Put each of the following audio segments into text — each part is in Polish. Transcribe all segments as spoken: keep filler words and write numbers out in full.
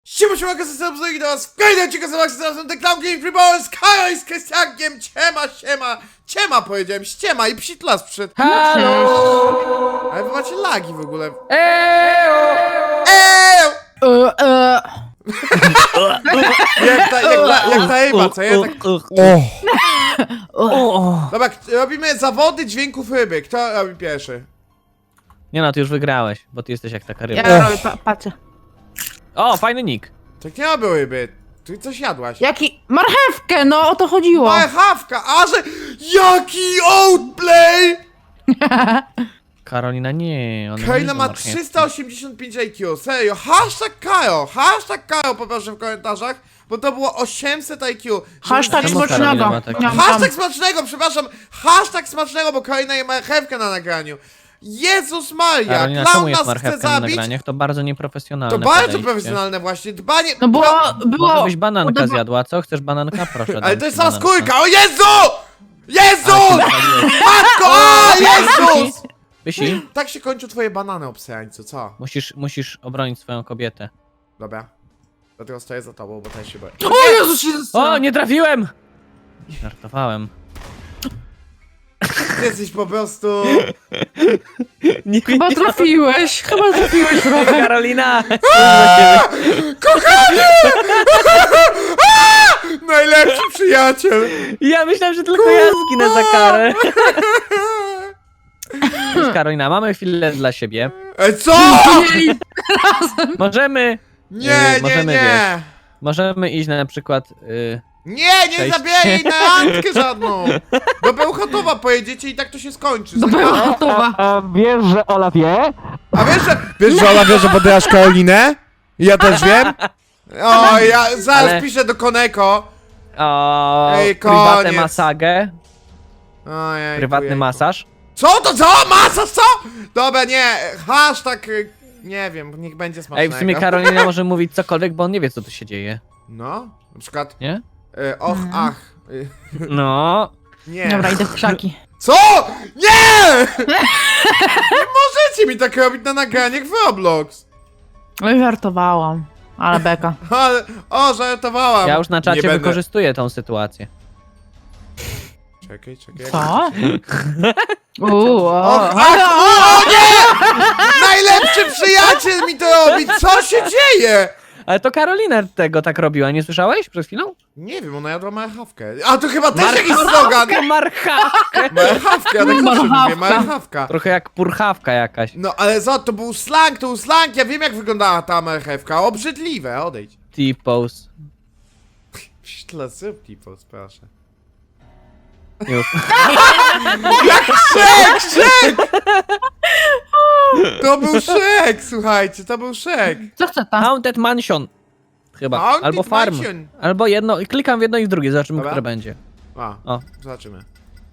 Siema, siema, kasy i do was w kolejnym odcinku z Maxem, The Clown Game Free Ball z Kajo i z Krystiankiem. Ciema, siema, ciema powiedziałem, ściema i psitlas przed. Halo! Ale wy macie lagi w ogóle. Ejo! Eee! E, e. Jak ta, jak ta, jak ta Ewa, co ja tak... O. Dobra, k- robimy zawody dźwięków ryby. Kto robi pierwszy? Nie no, ty już wygrałeś, bo ty jesteś jak taka ryba. Ja robię, pa, patrzę. O, fajny nick. Tak nie robię ryby. Ty coś jadłaś. Jaki? Marchewkę, no o to chodziło. Marchawka, a że... Jaki outplay! Karolina nie, ona Karolina nie ma lubi marchewki. trzysta osiemdziesiąt pięć I Q, serio, hashtag Kajo, hashtag Kajo poproszę w komentarzach, bo to było osiemset I Q. Hashtag Czemu Karolina smacznego. ma taki- Niam, Hashtag niam. smacznego, przepraszam, hashtag smacznego, bo Karolina je marchewkę na nagraniu. Jezus Maria, Karolina, czemu clown jest nas chce marchewka na zabić. nagraniach? To bardzo nieprofesjonalne To bardzo podejście. profesjonalne właśnie, dbanie... No bo Pro- było... Może byś bananka podoba- zjadła, co? Chcesz bananka? Proszę. Ale dam to jest ci sama bananka. skórka, o Jezu! Jezu! Ale się zapaliłeś. Matko, a Jezus! Pysi, Tak się kończą twoje banany, obsejańcu, co? musisz, musisz obronić swoją kobietę. Dobra. Dlatego stoję za tobą, bo też się boję. O Jezu, się O, nie trafiłem! Żartowałem. Ty jesteś po prostu... Nie, Chyba trafiłeś, chyba trafiłeś trochę. Karolina! Kochanie! Najlepszy przyjaciel! Ja myślałem, że tylko ja zginę za karę. Cześć, Karolina, mamy chwilę dla siebie. E, co? Jej. Nie, Możemy... nie, Yy, możemy, nie! Możemy iść na przykład... Yy, Nie, nie Cześć. zabieraj jej na randkę żadną! Do Bełchatowa pojedziecie i tak to się skończy. Dobra, gotowa. a wiesz, że Ola wie? A wiesz, że... Wiesz, że Ola wie, że podajasz Karolinę? Ja też wiem. O, ja zaraz Ale- piszę do Koneko. O, Ej, prywatne koniec. masagę, Ojej, prywatny jejku. masaż. Co to, co? Masa, co? Dobra, nie, hashtag... y, Nie wiem, niech będzie smacznego. Ej, w sumie Karolina może mówić cokolwiek, bo on nie wie, co tu się dzieje, No, na przykład... nie? Y, och, Mhm. ach. Y, No. nie. Dobra, idę w krzaki. Co? Nie! Nie możecie mi tak robić na nagraniach w Roblox. Oj, żartowałam. Ale beka. Ale, o, żartowałam. Ja już na Nie czacie będę- wykorzystuję tą sytuację. Czekaj, czekaj. jak- Co? Uuu, o. Och, ach, o, o nie! Najlepszy przyjaciel mi to robi! Co się dzieje? Ale to Karolina tego tak robiła, nie słyszałeś przed chwilą? Nie wiem, ona jadła marchawkę. A to chyba też jakiś slogan. Marchawkę! Marchawka, ja tak zawsze mówię, Marchawka. marchawka. Trochę jak purchawka jakaś. No ale za to był slang, to był slang, ja wiem jak wyglądała ta marchewka. Obrzydliwe, odejdź. T-pose. Tyle sypki, proszę. Już. Szek, szek! To był szek, słuchajcie, to był szek. Co chce ta? Haunted Mansion. Chyba. Haunted Albo Farm. Mansion. Albo jedno, klikam w jedno i w drugie, zobaczymy, Dobra. które będzie. A, O. zobaczymy.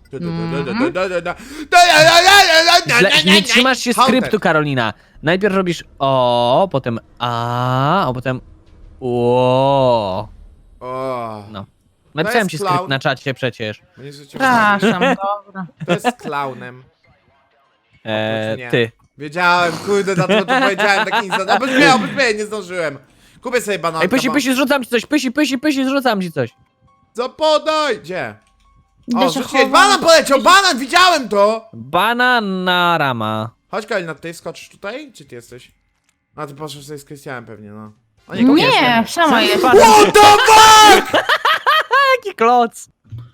Źle, nie trzymasz się Haunted. skryptu, Karolina. Najpierw robisz o, potem a, a potem o. O, No. Napisałem jest ci clown. skrypt na czacie przecież. mnie życie Przepraszam, dobra. To jest klaunem. E, nie. ty. Wiedziałem, kurde, dlatego to powiedziałem tak instant. Obydź mnie, obydź mnie, nie zdążyłem. Kupię sobie banankę. Ej, pysi, bo- pysi, zrzucam ci coś, pysi, pysi, pysi, zrzucam ci coś. Zapodaj! Gdzie? Idę O, się rzuciłeś, chowam. banan poleciał, banan, widziałem to! Banana rama. Chodź Kalina, ty skoczysz tutaj? Czy ty jesteś? A ty poszedł sobie z Krystianem pewnie, no. A Nie, sama jest. What the fuck?! Jaki kloc.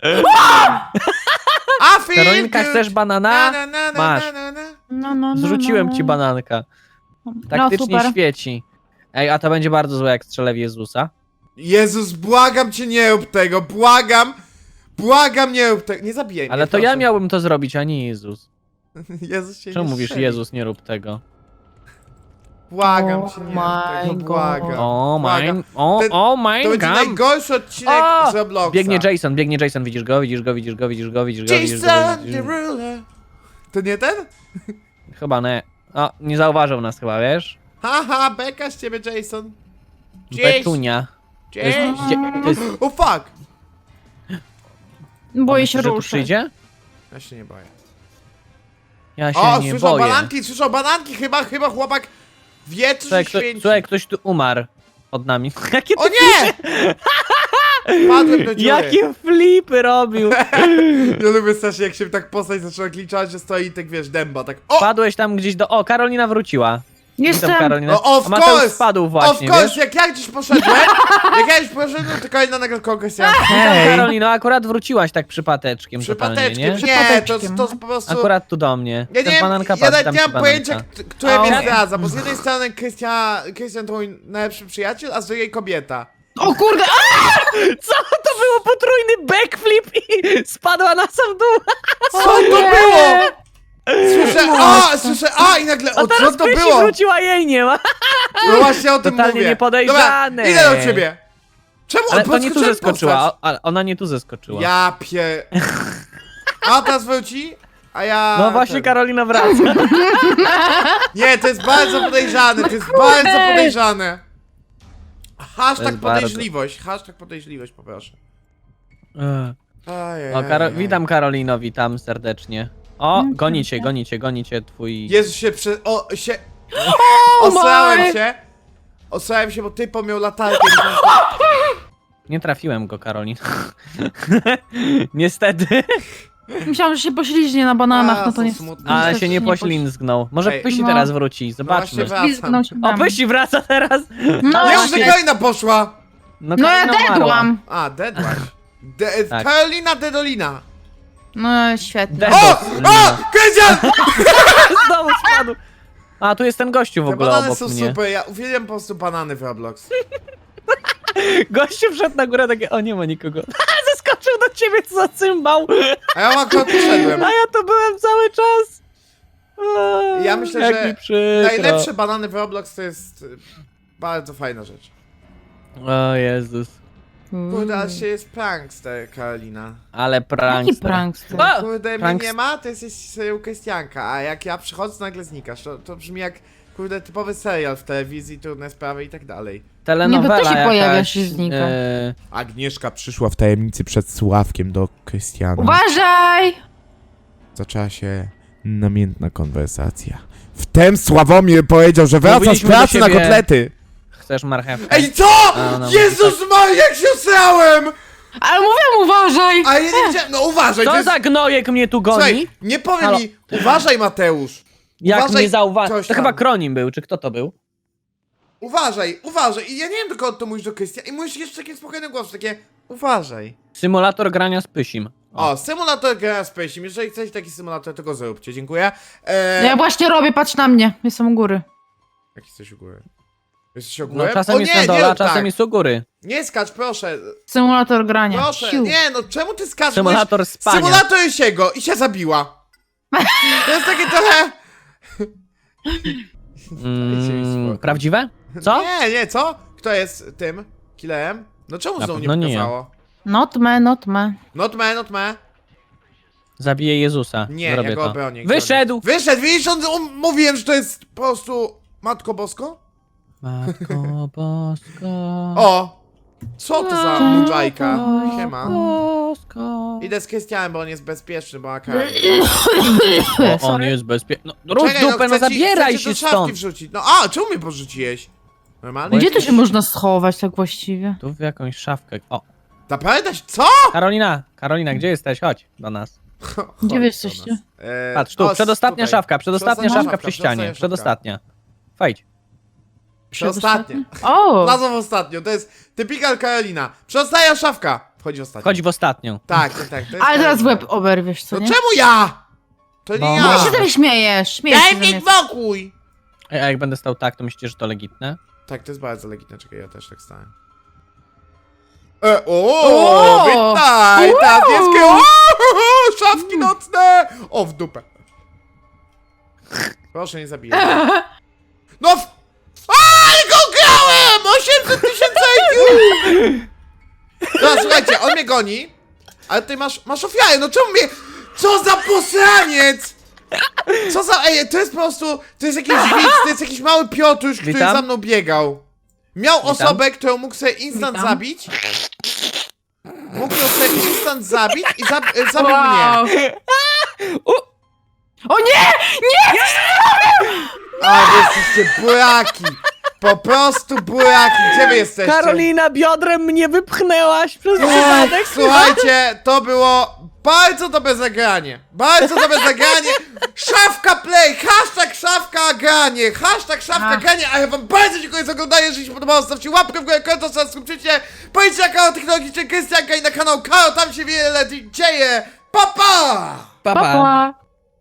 A feel Karolinka, good. chcesz banana? Na, na, na, Masz. na, na, na. No, no, no, Zrzuciłem no, ci no. bananka. No Taktycznie super. świeci. Ej, a to będzie bardzo złe, jak strzelę w Jezusa. Jezus, błagam cię, nie rób tego, błagam! Błagam, nie rób tego, nie zabijaj Ale mnie, to ja proszę. miałbym to zrobić, a nie Jezus. Jezus się Czemu nie mówisz, strzeli. Jezus, nie rób tego? Błagam Oh cię, nie my rób tego, God. błagam. O, Błagam. mine, o, Ten- o, To mine będzie gun. najgorszy odcinek O! z Robloxa. Biegnie Jason, biegnie Jason, widzisz go, widzisz go, widzisz go, widzisz go, widzisz go, widzisz go, Jason widzisz the go. ruler. To nie ten? Chyba nie. O, nie zauważył nas chyba, wiesz? Haha, beka z ciebie, Jason. Betunia. To jest, Jason. dzie- to jest, O fuck! Boję się myślisz, że tu ruszyć. przyjdzie? Ja się nie boję. Ja się O, nie słyszał boję. bananki, słyszał bananki, chyba, chyba chłopak wie, co Słuchaj, się kto, święci. słuchaj, ktoś tu umarł. pod nami. Jakie O nie! Padłem do dziury. Jakie flipy robił! Ja lubię strasznie, jak się tak postać zaczyna kliczać, że stoi i tak wiesz, dęba, tak o! Padłeś tam gdzieś do... O, Karolina wróciła. Jestem. Witam, Karolina. No of A Mateusz course! spadł właśnie, Of course, wiesz? jak ja gdzieś poszedłem, jak ja gdzieś poszedłem, to kolejna nagle kogoś ja... Witam, Karolino, akurat wróciłaś tak przypateczkiem totalnie, Przypateczkiem, nie? nie, to, Przypateczkiem. to po prostu... Akurat tu do mnie. Ja nie Ten wiem, bananka ja padł, nawet tam nie ci mam pojęcia, bananka. k- które mnie Au. zdradza, bo z jednej strony Krystian, Krystian to mój najlepszy przyjaciel, a z drugiej kobieta. O kurde! A! Co to było? Potrójny backflip i spadła na sam dół. Co to nie! było? Słyszę, a, słyszę, a i nagle, A o co teraz to Pysi było? wróciła, jej nie ma. No właśnie o tym Totalnie mówię. niepodejrzane. Dobra, idę do ciebie. Czemu Ale on to nie tu podskoczyłem zeskoczyła, postać? o- ale ona nie tu zeskoczyła. Ja pie... A teraz wróci, a ja... No właśnie ten. Karolina wraca. Nie, to jest bardzo podejrzane, to jest bardzo podejrzane. Hashtag jest bardzo. podejrzliwość, hashtag podejrzliwość poproszę. Ajej, O, Karo ajej. witam Karolino, witam serdecznie. O, Mm, gonicie, gonicie, gonicie twój... Jezu się prze... o, się... Oh Osrałem my! się. Osrałem się, bo typo miał latarkę. Nie trafiłem go, Karolin. Niestety. Myślałam, że się pośliźnie na bananach, A, no to są nie. smutne. Ale niestety się nie poś- poślizgnął. Może Ej. Pysi No. teraz wróci, No zobaczmy. właśnie wracam. Ślizgnął się O, tam. Pysi wraca teraz! No Nie, już właśnie. Karolina poszła! No, No ja Karolina umarła. dedłam. A, deadłaś. De Tak. Karolina Dedolina. No świetnie. Ded- O! Dedolina. O! Krystian! Znowu spadł. A, tu jest ten gościu w Te ogóle banany obok są mnie. super, ja uwielbiam po prostu banany w Roblox. Gościu wszedł na górę, takie, o nie ma nikogo. Zeskoczył do ciebie, co za cymbał. A ja akurat poszedłem. A ja to byłem cały czas. O, Ja myślę, jak że mi przykro. Najlepsze banany w Roblox to jest y, bardzo fajna rzecz. O Jezus. Kurde, aż się jest prankster, Karolina. Ale prankster. Jaki prankster? A! Kurde, mnie prank- nie ma, to jesteś serial Krystianka, a jak ja przychodzę, to nagle znikasz. To, to brzmi jak, kurde, typowy serial w telewizji, trudne sprawy i tak dalej. Telenowela Nie, bo ty się jakaś, pojawiasz i znika. e, Agnieszka przyszła w tajemnicy przed Sławkiem do Krystiana. Uważaj! Zaczęła się namiętna konwersacja. Wtem Sławomir powiedział, że wraca z Mówiliśmy do pracy na siebie- kotlety. Chcesz marchewkę? Ej, co?! A, no, Jezus Maria, jak się osrałem! Ale mówiłam uważaj! A ja nie wiedziałem, no uważaj, to Co jest... za gnojek mnie tu goni? Słuchaj, nie powiem Halo. mi, uważaj Mateusz. Jak uważaj, nie zauważył. coś To tam. chyba Kronim był, czy kto to był? Uważaj, uważaj. I ja nie wiem, do kogo to mówisz, do Krystiana. I mówisz jeszcze takim spokojnym głosem, takie uważaj. Symulator grania z Pysim. O, symulator gra z Pacem. Jeżeli chcecie taki symulator, to go zróbcie, dziękuję. Eee, Ja właśnie robię, patrz na mnie. Jestem u góry. Jak jesteś u góry? Jesteś u No góry? czasem o, jest nie, na dole, nie, a czasem tak. jest u góry. Nie skacz, proszę. Symulator grania. Proszę, Siu. nie, no czemu ty skaczesz? Symulator Mówisz, spania. Symulator Jesiego i się zabiła. To jest takie trochę... Dajcie mi Mm, spokój. prawdziwe? Co? Nie, nie, co? Kto jest tym killerem? No czemu Na znowu nie pewno nie ja. pokazało? Not me, not me. Not me, not me. Zabiję Jezusa. Nie, Zrobię ja go to. obronię. Wyszedł! Wyszedł, widzisz, on, on, mówiłem, że to jest po prostu Matko Bosko? Matko Bosko. O! Co to za Matko mudżajka? Siema. Bosko. Idę z Krystianem, bo on jest bezpieczny, bo AK. O, on Sorry. jest bezpieczny. No, rusz dupę, no chcę ci- zabieraj chcę ci się do szafki stąd. wrzucić. No a, czemu mnie porzuciłeś? Normalnie? Gdzie tu się można schować tak właściwie? Tu w jakąś szafkę. O, Naprawdę? Co? Karolina, Karolina, gdzie jesteś? Chodź do nas. Chodź Gdzie wy do jesteście? nas. Eee, Patrz, tu, o, przedostatnia tutaj. szafka, przedostatnia szafka przy przedostatnia ścianie. szafka. Przedostatnia. Wejdź. Przedostatnia. O! Wlazła w ostatnią, to jest typical Karolina. Przedostatnia szafka. Wchodzi w ostatnią. Chodź w ostatnią. Tak, tak, tak. To jest Ale teraz Karolina. łeb oberwiesz, co No nie? czemu ja? To nie Bo ja. No masz. się tam śmiejesz, śmiejesz Daj się ze mi mnie. spokój! Ej, a jak będę stał tak, to myślicie, że to legitne? Tak, to jest bardzo legitne, czekaj, ja też tak stałem. E, o, O! witaj! Wow! Teraz niebieskie, o, szafki nocne! O, w dupę. Proszę, nie zabijaj. No w... A, ale go grałem! osiemset tysięcy I Q! No, słuchajcie, on mnie goni, ale ty masz, masz ofiarę, no czemu mnie... Co za posraniec! Co za... Ej, to jest po prostu... To jest jakiś widz, to jest jakiś mały Piotruś, który Witam. za mną biegał. Miał Witam. osobę, którą mógł sobie instant Witam. zabić. Mógł ją sobie instant zabić i zab e, zabił Wow. mnie. O nie! A, wy jesteście buraki! Po prostu buraki, gdzie wy jesteście? Karolina, biodrem mnie wypchnęłaś przez Ech, przypadek. Słuchajcie, to było bardzo dobre zagranie. Bardzo dobre zagranie. Szafka play, hashtag szafka granie, hashtag szafka Ach. granie. A ja wam bardzo dziękuję za oglądanie. Jeżeli się podobało, zostawcie łapkę w górę, komentarz, subskrypcyjcie. Pojdźcie na kanał Technologiczny Krystianka i na kanał Karo, tam się wiele dzieje. Pa, pa! Pa, Pa, pa. pa.